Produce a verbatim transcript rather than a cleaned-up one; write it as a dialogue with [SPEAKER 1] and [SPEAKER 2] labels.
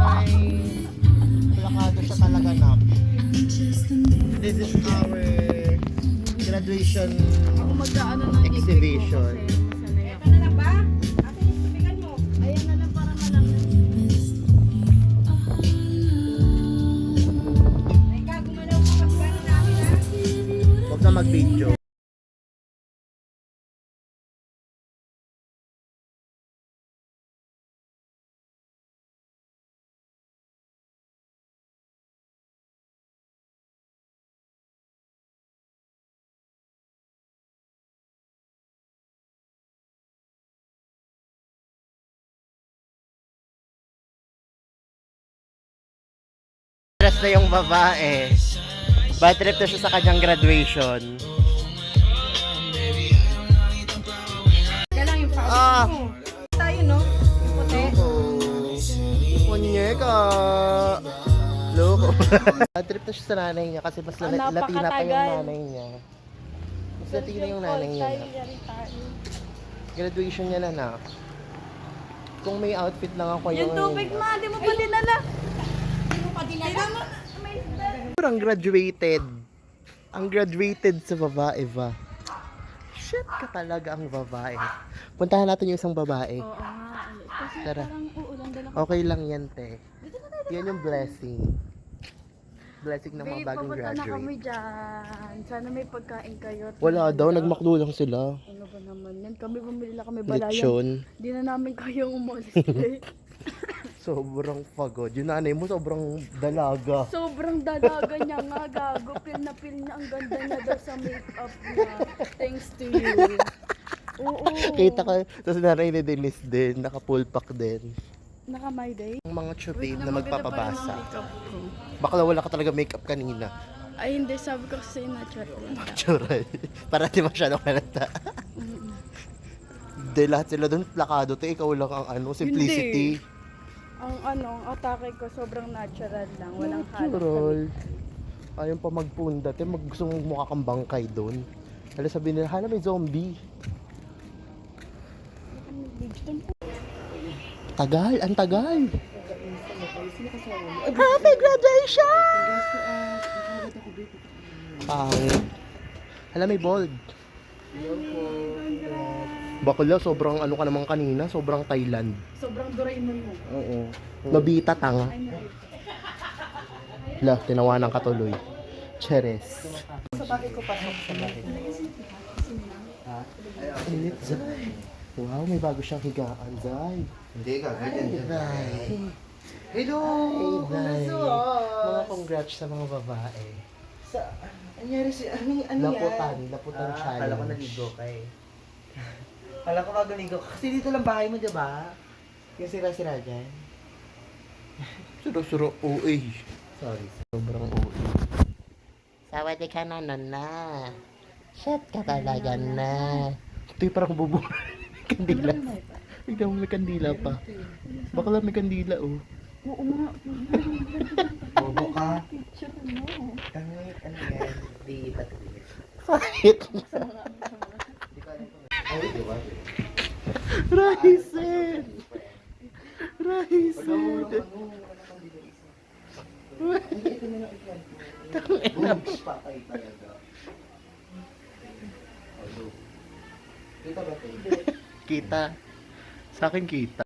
[SPEAKER 1] Plakado siya talaga na. This is our graduation
[SPEAKER 2] Ako mag-ano ng
[SPEAKER 1] exhibition.
[SPEAKER 3] Ito na lang ba? Ate, yung tubigan mo.
[SPEAKER 2] Ayan na lang para malaman.
[SPEAKER 3] Ay, ka, gumalaw ka pag gano'n namin ha.
[SPEAKER 1] Huwag na mag-video. Dress na yung babae. Bad trip na siya sa kanyang graduation.
[SPEAKER 3] Kaya lang yung pawis
[SPEAKER 1] Ah.
[SPEAKER 3] mo. Tayo, no? Yung puti.
[SPEAKER 1] Punyeka! Loko. Bad trip na siya sa nanay niya kasi mas
[SPEAKER 2] Ah,
[SPEAKER 1] la- Latina pa yung
[SPEAKER 2] napakatagal.
[SPEAKER 1] nanay niya. Mas Latina yung nanay niya. Graduation niya na na. Kung may outfit lang ako
[SPEAKER 2] Yung tubig ma, di mo pa dinala.
[SPEAKER 3] Hindi mo pa dinala.
[SPEAKER 1] Ang graduated. Ang graduated sa babae ba? Shit ka talaga ang babae. Puntahan natin yung isang babae.
[SPEAKER 2] Oo nga. Kasi
[SPEAKER 1] Tara.
[SPEAKER 2] parang uulan dala ko.
[SPEAKER 1] Okay lang yan, te. Yan yung blessing. Blessing ng mga
[SPEAKER 2] Babe,
[SPEAKER 1] bagong
[SPEAKER 2] papunta na kami
[SPEAKER 1] graduate.
[SPEAKER 2] dyan. Sana may pagkain kayo. at
[SPEAKER 1] Wala
[SPEAKER 2] may
[SPEAKER 1] daw,
[SPEAKER 2] handa.
[SPEAKER 1] nagmakdo lang sila.
[SPEAKER 2] Ano ba naman yan? Kami bumili lang kami balayan.
[SPEAKER 1] Lechon.
[SPEAKER 2] Di na namin kayang umalis. eh.
[SPEAKER 1] Sobrang pagod. Yung nanay mo sobrang dalaga.
[SPEAKER 2] Sobrang dalaga niya nga, gago. Pil na pil niya. Ang ganda niya daw sa makeup niya. Thanks to you. Oo.
[SPEAKER 1] Kita ka, tapos nanay ni Denise din, naka-full pack din.
[SPEAKER 2] Naka my day?
[SPEAKER 1] Ang mga chubib na
[SPEAKER 2] maganda pa rin ang
[SPEAKER 1] magpapabasa.
[SPEAKER 2] makeup ko.
[SPEAKER 1] Bakla wala ka talaga makeup kanina.
[SPEAKER 2] Ay, hindi. Sabi ko kasi natural lang.
[SPEAKER 1] Natural. Para di masyadong halata. Hindi, lahat sila doon plakado. Te, ikaw lang ang ano, simplicity.
[SPEAKER 2] Ang ano, ang atake ko sobrang natural lang. Walang halos.
[SPEAKER 1] Natural. Ayaw pa magpunda. Te, mag gusto mong mukha kang bangkay doon. Hala sabi nila, hala may zombie. Tagal, ang tagal. Happy graduation! Pang. Hala may bold. Bakla, sobrang ano ka naman kanina, sobrang Thailand.
[SPEAKER 2] Sobrang Doraemon mo.
[SPEAKER 1] Oo. Nobita tanga. La, tinawanan ka tuloy. Cheres. Sa bagay ko pasok sa bagay. Ha? Init, Zay. Wow, may bago siyang higaan, Zay.
[SPEAKER 4] Hindi ka, ganyan yan.
[SPEAKER 1] Zay.
[SPEAKER 4] Hello!
[SPEAKER 1] Hey, Zay.
[SPEAKER 4] Kumusta?
[SPEAKER 1] Mga congrats sa mga babae.
[SPEAKER 4] Sa, anyari si, ano, ano
[SPEAKER 1] Laputan,
[SPEAKER 4] yan?
[SPEAKER 1] laputan
[SPEAKER 4] Ah,
[SPEAKER 1] challenge.
[SPEAKER 4] Kala ko naligo ka eh. Kala ko bago ligo ka. Kasi dito lang bahay mo, di ba? Yung sira-sira dyan.
[SPEAKER 1] Suro-suro O A.
[SPEAKER 4] Sorry.
[SPEAKER 1] Sobrang O A. Sawadi ka na, nana. Shit ka talaga na. Ito yung parang bubo. Kandila. Tignan mo may kandila pa. Baka lang may kandila, oh.
[SPEAKER 2] Oo nga.
[SPEAKER 4] Bobo ka.
[SPEAKER 2] Picture mo.
[SPEAKER 4] Tangit, ano yan? Di patris.
[SPEAKER 1] Kahit.
[SPEAKER 4] Di ko alam kung ay, di ba?
[SPEAKER 1] Raisen! Raisen!
[SPEAKER 4] Ito na lang ikan ko. Pa kayo talaga. Kita ba ito?
[SPEAKER 1] Kita. Sa akin kita.